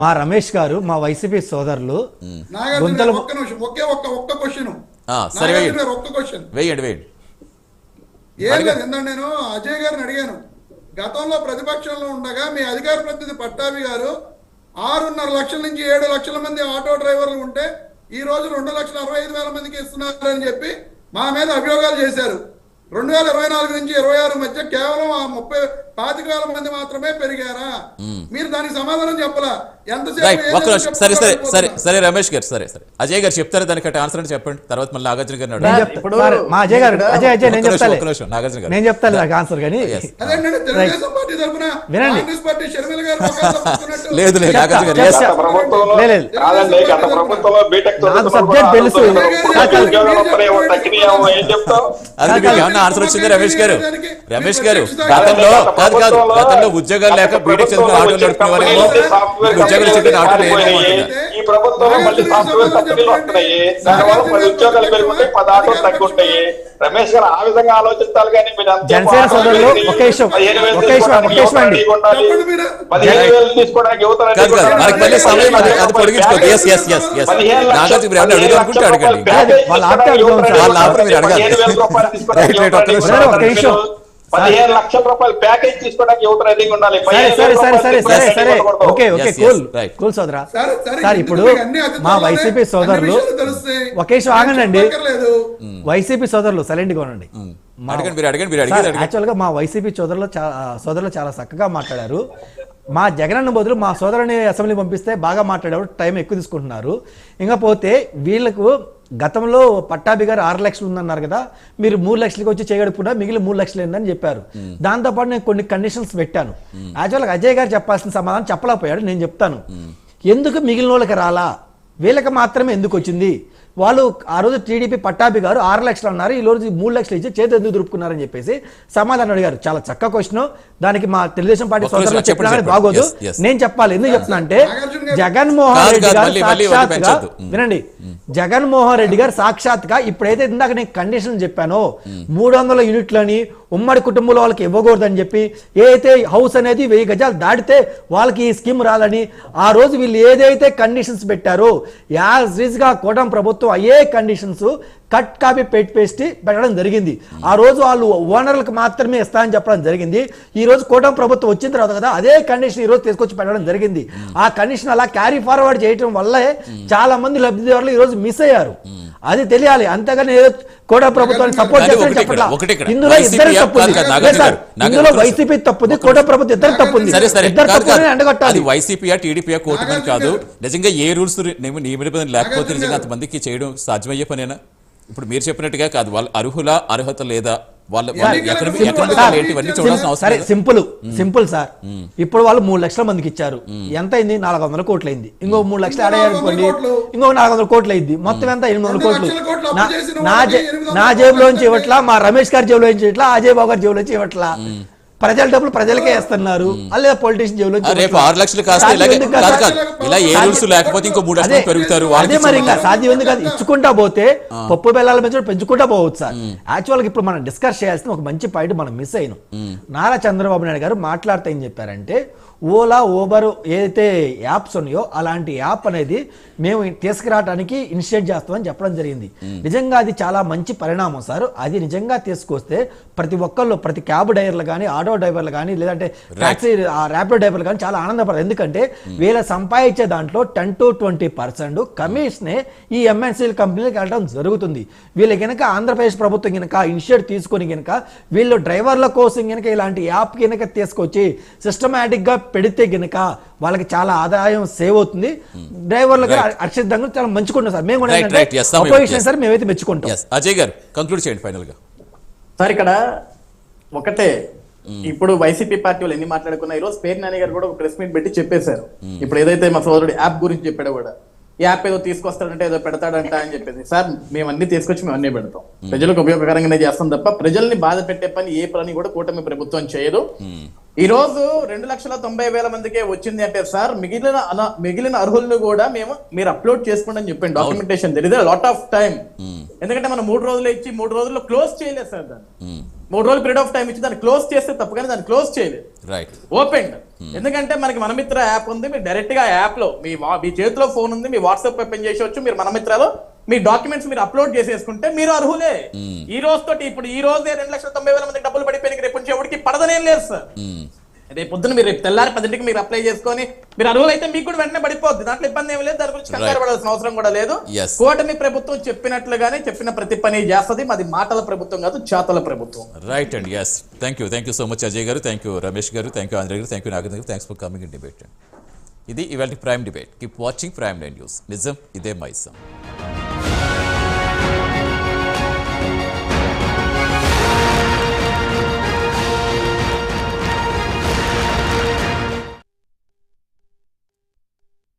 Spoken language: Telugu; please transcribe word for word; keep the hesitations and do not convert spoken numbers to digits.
మా రమేష్ గారు మా వైసీపీ సోదరులు నాగార్జున ఒక్క నిమిషం ఒకే ఒక్క ఒక్క క్వశ్చన్ నాగార్జున ఒక్క క్వశ్చన్ వేయండి వేయండి ఏం లేదు ఎందుకంటే నేను అజయ్ గారిని అడిగాను గతంలో ప్రతిపక్షంలో ఉండగా మీ అధికార ప్రతినిధి పట్టాభి గారు ఆరున్నర లక్షల నుంచి ఏడు లక్షల మంది ఆటో డ్రైవర్లు ఉంటే ఈ రోజు రెండు లక్షల అరవై ఐదు వేల మందికి ఇస్తున్నారు అని చెప్పి మా మీద అభియోగాలు చేశారు. రెండు వేల ఇరవై నాలుగు నుంచి ఇరవై ఆరు మధ్య కేవలం ఆ ముప్పై పాతిక వేల మంది మాత్రమే పెరిగారా? మీరు దానికి సమాధానం చెప్పలా. ఎంతసేపు సరే సరే సరే సరే రమేష్ గారు సరే సరే అజయ్ గారు చెప్తారు దానికి ఆన్సర్ అని చెప్పండి. తర్వాత మళ్ళీ నాగార్జున గారు మా అజయ్ గారు అజయ్ అజయ్ నేను చెప్తాను నాగార్జున గారు నేను చెప్తాను నాకు ఆన్సర్ కానీ వినండి. లేదు లేదు నాగార్జున గారు నాకు సబ్జెక్ట్ తెలుసు. ఆన్సర్ వచ్చింది రమేష్ గారు. రమేష్ గారు గతంలో కాదు కాదు గతంలో ఉద్యోగాలు లేక బీటెక్ చదువుకుని ఆటోలు నడుపుకునే వారేమో ఉద్యోగాలు చెప్పిన ఆటోలు ఈ ప్రభుత్వంలో మళ్ళీ సాఫ్ట్వేర్ కంపెనీలు వస్తున్నాయి, దానివల్ల పది ఉద్యోగాలు పెరుగుతాయి, పది ఆటోలు తగ్గుంటాయి. రమేష్ గారు ఆ విధంగా ఆలోచించాలి కానీ జనసేన సోదరులు ఒకే విషయం ఒకే విషయం ఒకే విషయం అండి పదిహేను వేలు తీసుకోవడానికి యువత మళ్ళీ సమయం అది అది పొడిగించుకోండి. Yes yes yes yes Nagarjuna మీరు ఏమన్నా అడుగు అనుకుంటే అడగండి. వాళ్ళ ఆపితే వాళ్ళ ఆపర మీరు అడగాలి. ఒక్క నిమిషం పదిహేను లక్షల రూపాయలు ప్యాకేజ్ తీసుకోవడానికి యువత రెడీగా ఉండాలి. సరే సరే సరే సరే సరే ఓకే ఓకే కూల్ కూల్ సోదరా. సార్ ఇప్పుడు మా వైసీపీ సోదరులు ఒకే విషయం ఆగండి. వైసీపీ సోదరులు సైలెంట్ గా ఉండండి. యాక్చువల్ గా మా వైసీపీ సోదరులు సోదరులు చాలా చక్కగా మాట్లాడారు. మా జగనన్న బదులు మా సోదరుని అసెంబ్లీ పంపిస్తే బాగా మాట్లాడారు, టైం ఎక్కువ తీసుకుంటున్నారు. ఇంకపోతే వీళ్ళకు గతంలో పట్టాభి గారు ఆరు లక్షలు ఉందన్నారు కదా, మీరు మూడు లక్షలకి వచ్చి చేయగడుపున్నా మిగిలిన మూడు లక్షలు ఏందని చెప్పారు. దాంతోపాటు నేను కొన్ని కండిషన్స్ పెట్టాను. యాక్చువల్గా అజయ్ గారు చెప్పాల్సిన సమాధానం చెప్పలేకపోయాడు. నేను చెప్తాను ఎందుకు మిగిలిన వాళ్ళకి రాలా, వీళ్ళకి మాత్రమే ఎందుకు వచ్చింది. వాళ్ళు ఆ రోజు టీడీపీ పట్టాభి గారు ఆరు లక్షలు అన్నారు, ఈ రోజు మూడు లక్షలు ఇచ్చి చేతి ఎందుకు దురుపుకున్నారని చెప్పేసి సమాధానం అడిగారు. చాలా చక్కగా క్వశ్చన్. దానికి మా తెలుగుదేశం పార్టీ సోదరులు చెప్పినా కానీ బాగోదు, నేను చెప్పాలి. ఎందుకు చెప్తున్నా అంటే జగన్మోహన్ రెడ్డి గారు సాక్షాత్గా వినండి, జగన్మోహన్ రెడ్డి గారు సాక్షాత్గా ఇప్పుడైతే ఇందాక నేను కండిషన్ చెప్పానో మూడు వందల యూనిట్లని ఉమ్మడి కుటుంబంలో వాళ్ళకి ఇవ్వకూడదని చెప్పి, ఏదైతే హౌస్ అనేది వెయ్యి గజాలు దాటితే వాళ్ళకి ఈ స్కీమ్ రాదని ఆ రోజు వీళ్ళు ఏదైతే కండిషన్స్ పెట్టారో యాజ్ రీజ్ గా కూటమి ప్రభుత్వం అయ్యే కండిషన్స్ కట్ కాపీ పెట్టి పేస్ట్ పెట్టడం జరిగింది. ఆ రోజు వాళ్ళు ఓనర్లకు మాత్రమే ఇస్తామని చెప్పడం జరిగింది. ఈ రోజు కూటమి ప్రభుత్వం వచ్చిన తర్వాత కదా అదే కండిషన్ ఈ రోజు తీసుకొచ్చి పెట్టడం జరిగింది. ఆ కండిషన్ అలా క్యారీ ఫార్వర్డ్ చేయడం వల్లే చాలా మంది లబ్ధిదారులు ఈ రోజు మిస్ అయ్యారు. అది తెలియాలి. అంతగానే కూటమి ప్రభుత్వాన్ని సపోర్ట్ చేస్తారని చెప్పట్లా. ఇందులో ఇద్దరు తప్పుంది, ఇందులో వైసీపీ తప్పుంది, కూటమి ప్రభుత్వం ఇద్దరు తప్పుంది. ఇద్దరు తప్పుని ఎండగొట్టాలి. వైసీపీ టీడీపీ కూటమి కాదు. నిజంగా ఏ రూల్స్ నియమనిబంధనలు లేకపోతే నిజంగా అంతమందికి చేయడం సాధ్యమయ్యే పనేనా? ఇప్పుడు మీరు చెప్పినట్టుగా కాదు, వాళ్ళ అర్హుల అర్హత లేదా సరే సింపుల్ సింపుల్ సార్. ఇప్పుడు వాళ్ళు మూడు లక్షల మందికి ఇచ్చారు, ఎంత అయింది? నాలుగు వందల కోట్లు అయింది. ఇంకో మూడు లక్షలు ఆడయ్యారు అనుకోండి, ఇంకో నాలుగు వందల కోట్లు అయింది. మొత్తం ఎంత? ఎనిమిది వందల కోట్లు నా జేబులోంచి ఇవ్వట్లా, మా రమేష్ గారి జేబులోంచి ఇవ్వట్లా, అజయ్ బాబు గారి జేబులోంచి ఇవ్వట్లా. ప్రజల డబ్బులు ప్రజలకే వేస్తున్నారు. లేదా పొలిటీషియన్ జేబులో ఆరు లక్షలు అదే మరి ఇంకా సాధ్యం ఉంది కదా. ఇచ్చుకుంటా పోతే పప్పు బెల్లాల పెంచడం పెంచుకుంటా పోవచ్చు సార్. యాక్చువల్గా ఇప్పుడు మనం డిస్కస్ చేయాల్సిన ఒక మంచి పాయింట్ మనం మిస్ అయినాం. నారా చంద్రబాబు నాయుడు గారు మాట్లాడితే ఏం చెప్పారంటే, ఓలా ఓబర్ ఏదైతే యాప్స్ ఉన్నాయో అలాంటి యాప్ అనేది మేము తీసుకురావడానికి ఇనిషియేట్ చేస్తామని చెప్పడం జరిగింది. నిజంగా అది చాలా మంచి పరిణామం సార్. అది నిజంగా తీసుకొస్తే ప్రతి ఒక్కళ్ళు, ప్రతి క్యాబ్ డ్రైవర్లు కానీ, ఆటో డ్రైవర్లు కానీ, లేదంటే టాక్సీ ర్యాపిడో డ్రైవర్లు కానీ చాలా ఆనందపడతారు. ఎందుకంటే వీళ్ళ సంపాదించే దాంట్లో టెన్ టు ట్వంటీ పర్సెంట్ కమిషనే ఈ ఎంఎన్సీల కంపెనీలకు వెళ్ళడం జరుగుతుంది. వీళ్ళ కనుక ఆంధ్రప్రదేశ్ ప్రభుత్వం కనుక ఇనిషియేట్ తీసుకొని కనుక వీళ్ళు డ్రైవర్ల కోసం కనుక ఇలాంటి యాప్ కనుక తీసుకొచ్చి సిస్టమేటిక్ గా పెడితే గనక వాళ్ళకి చాలా ఆదాయం సేవ్ అవుతుంది. డ్రైవర్లకు అక్షితంగా చాలా మంచుకుంటాం సార్. మేము అపోజిషన్ సార్ మేమైతే మెచ్చుకుంటాం. అజయ్ గారు కంక్లూడ్ చేయండి ఫైనల్ గా. సార్ ఇక్కడ ఒకటే, ఇప్పుడు వైసీపీ పార్టీ వాళ్ళు ఎన్ని మాట్లాడుకున్నా ఈ రోజు పేరు నాని గారు కూడా ఒక ప్రెస్ మీట్ పెట్టి చెప్పేశారు. ఇప్పుడు ఏదైతే మా సోదరుడు యాప్ గురించి చెప్పాడో కూడా, ఈ యాప్ ఏదో తీసుకొస్తాడంటే ఏదో పెడతాడంట అని చెప్పేసి, సార్ మేము అన్ని తీసుకొచ్చి మేము అన్ని పెడతాం, ప్రజలకు ఉపయోగకరంగానే చేస్తాం తప్ప ప్రజల్ని బాధ పెట్టే పని ఏ పని కూడా కూటమి ప్రభుత్వం చేయదు. ఈ రోజు రెండు లక్షల తొంభై వేల మందికే వచ్చింది అంటే సార్ మిగిలిన మిగిలిన అర్హులను కూడా మేము మీరు అప్లోడ్ చేసుకోండి అని చెప్పండి. Documentation there is a lot of time. ఎందుకంటే మనం మూడు రోజులు ఇచ్చి మూడు రోజుల్లో క్లోజ్ చేయలేదు సార్. దాన్ని మూడు రోజులు పీరియడ్ ఆఫ్ టైం ఇచ్చి దాన్ని క్లోజ్ చేస్తే తప్ప కానీ దాన్ని క్లోజ్ చేయలేదు. ఓపెన్ ఎందుకంటే మనకి మనమిత్ర యాప్ ఉంది, మీరు డైరెక్ట్ గా యాప్ లో మీ వా- మీ చేతిలో ఫోన్ ఉంది, మీ వాట్సాప్ ఓపెన్ చేసేవచ్చు, మీరు మనమిత్రలో మీ డాక్యుమెంట్స్ మీరు అప్లోడ్ చేసేసుకుంటే మీరు అర్హులే. ఈ రోజు తోటి ఇప్పుడు ఈ రోజే రెండు లక్షల తొంభై వేల మందికి డబ్బులు పడిపోయినాయి, రేపు నుంచి ఎవరికి పడదనేం లేదు సార్. రేపు పొద్దున మీరు రేపు తెల్లారి పదింటికి మీరు అప్లై చేసుకొని మీరు అర్హులు అయితే మీకు కూడా వెంటనే పడిపోద్ది, దాంట్లో ఇబ్బంది ఏమి లేదు, దాని గురించి కంగారు పడాల్సిన అవసరం కూడా లేదు. Yes. కూటమి ప్రభుత్వం చెప్పినట్లుగానే చెప్పిన ప్రతి పని చేస్తుంది, మాది మాటల ప్రభుత్వం కాదు చేతల ప్రభుత్వం. Right and yes thank you thank you so much Ajay garu, thank you Ramesh గారు, థ్యాంక్ యూ ఆంధ్ర గారు, thank you Nagendra garu, thanks for coming in debate. ఇది ఇవాళ prime debate. Keep watching prime nine news. నిజం ఇదే మైసం.